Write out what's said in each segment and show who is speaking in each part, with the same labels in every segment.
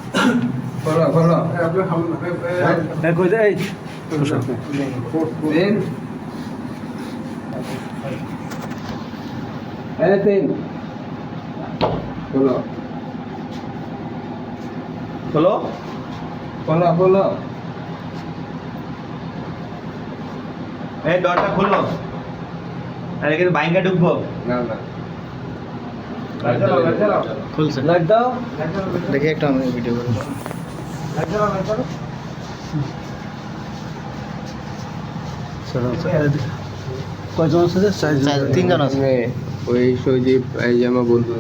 Speaker 1: খোলো খোলো
Speaker 2: কই দে এই
Speaker 1: তিন তিন খোলো
Speaker 2: খোলো
Speaker 1: খোলো খোলো
Speaker 2: এই দরজা খোলো আরে কিন্তু বাইঙ্গা ঢুকবো
Speaker 1: না না
Speaker 2: খুলছে
Speaker 1: লাইট দাও
Speaker 2: দেখি একটা আমি ভিডিও করে কয়জন আছে তিনজন আছে
Speaker 1: ওই সজীব এই যে আমার বন্ধু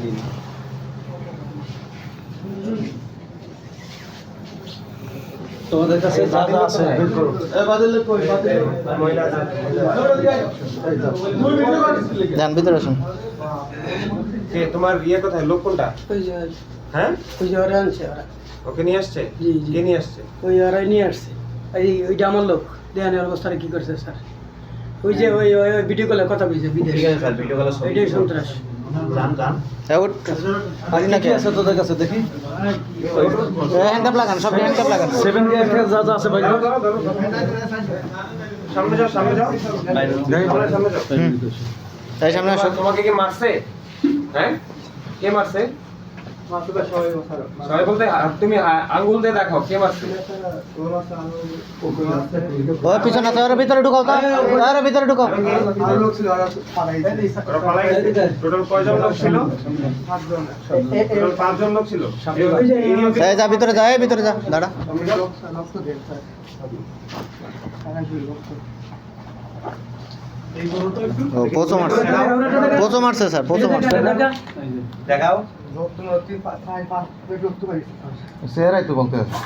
Speaker 2: তোমাদের কাছে যা যা আছে বের করো যান ভিতরে আসুন
Speaker 3: কে তোমার ইয়ে কোথায় লোক কোনটা
Speaker 4: ওই যে
Speaker 3: হ্যাঁ
Speaker 4: ওই যে ওরা আনছে ওরা
Speaker 3: ওকে নিয়ে আসছে
Speaker 4: জি, জি।
Speaker 3: কে নিয়ে আসছে
Speaker 4: ওই ওরাই নিয়ে আসছে ওইটা আমার লোক দেহানের অবস্থাটা কি করছে স্যার ওই যে ওই ওই ভিডিও কলে কথা বলছে বিদেশ
Speaker 2: ঠিক আছে স্যার ভিডিও কলে
Speaker 4: ওইটাই সন্ত্রাস
Speaker 2: যান যান আজ নাকি আছে তোদের কাছে দেখি হ্যান্ডকাপ লাগান সব হ্যান্ডকাপ লাগান 7 গেট যা যা আছে ভাই
Speaker 3: সামনে যাও সামনে যাও সামনে যাও
Speaker 2: তাই সামনে আসো
Speaker 3: তোমাকে কি মারছে হ্যাঁ কে মারছে সবাই বলতে তুমি আঙ্গুল দিয়ে দেখাও কে মারছে
Speaker 2: ওই পিছনে আছে ওর ভিতরে ঢুকাও তো ওর ভিতরে ঢুকাও
Speaker 3: ওরা পালাই গেছে টোটাল কয়জন লোক ছিল টোটাল 5 জন লোক ছিল
Speaker 2: এই যা ভিতরে যা এই ভিতরে যা দাঁড়া ও পোচো মারছে স্যার পোচো মারছে দেখাও চেহারাই তো বলতে আছে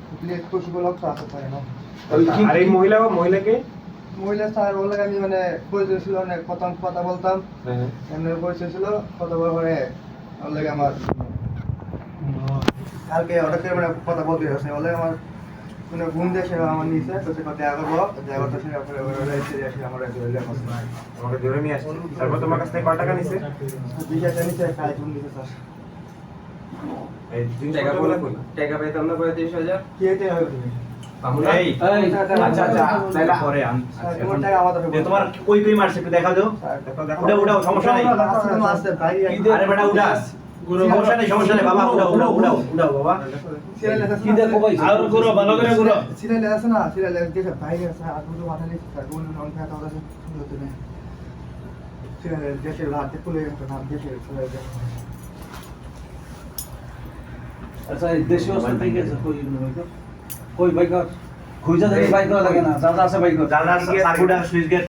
Speaker 3: আর এই মহিলাকে
Speaker 5: মহিলা স্যার বললে আমি মানে পরিচয় ছিল অনেক কথা বলতাম এমনি পরিচয় ছিল কথা বলার পরে ওর লাগে আমার কালকে হঠাৎ করে মানে কথা বলতে আসে বলে আমার মানে ঘুম দিয়ে সে আমার নিচে তো সে দেখা করবো দেখা করতে সে আমার
Speaker 3: তোমাকে ধরে নিয়ে আসছে তারপর তোমার কাছ থেকে কয় টাকা নিছে
Speaker 5: 20,000 নিচে কাজ ঘুম দিতে স্যার
Speaker 3: এই
Speaker 1: টাকা বলে কই টাকা পাইতাম না পরে 30,000
Speaker 5: কি হতে হবে তুমি
Speaker 2: এই আচ্ছা আচ্ছা তাহলে পরে
Speaker 5: তোমার টাকা আমাদের
Speaker 2: তোমার কই কই মারছে একটু দেখাও দাও উড়াও সমস্যা নাই
Speaker 5: আছে ভাই
Speaker 2: আরে বেটা উড়াস সমস্যা নেই বাবা উড়াও বাবা
Speaker 5: কি দেখো ভাই
Speaker 2: আর করো ভালো করে করো
Speaker 5: সিরিয়াল আছে না সিরিয়াল যে ভাই আছে আর দুটো মাথা নিয়ে স্যার কোন নন ফ্যাট হবে সুন্দর না সিরিয়াল দেশের রাত খুলে একটা নাম দেশের চলে যায়
Speaker 6: আচ্ছা এই দেশীয় অবস্থা থেকে আছে কই বাইক খুঁজা দেখি বাইক লাগে না যা যা আছে বাইক
Speaker 2: জানা সুইচ গেট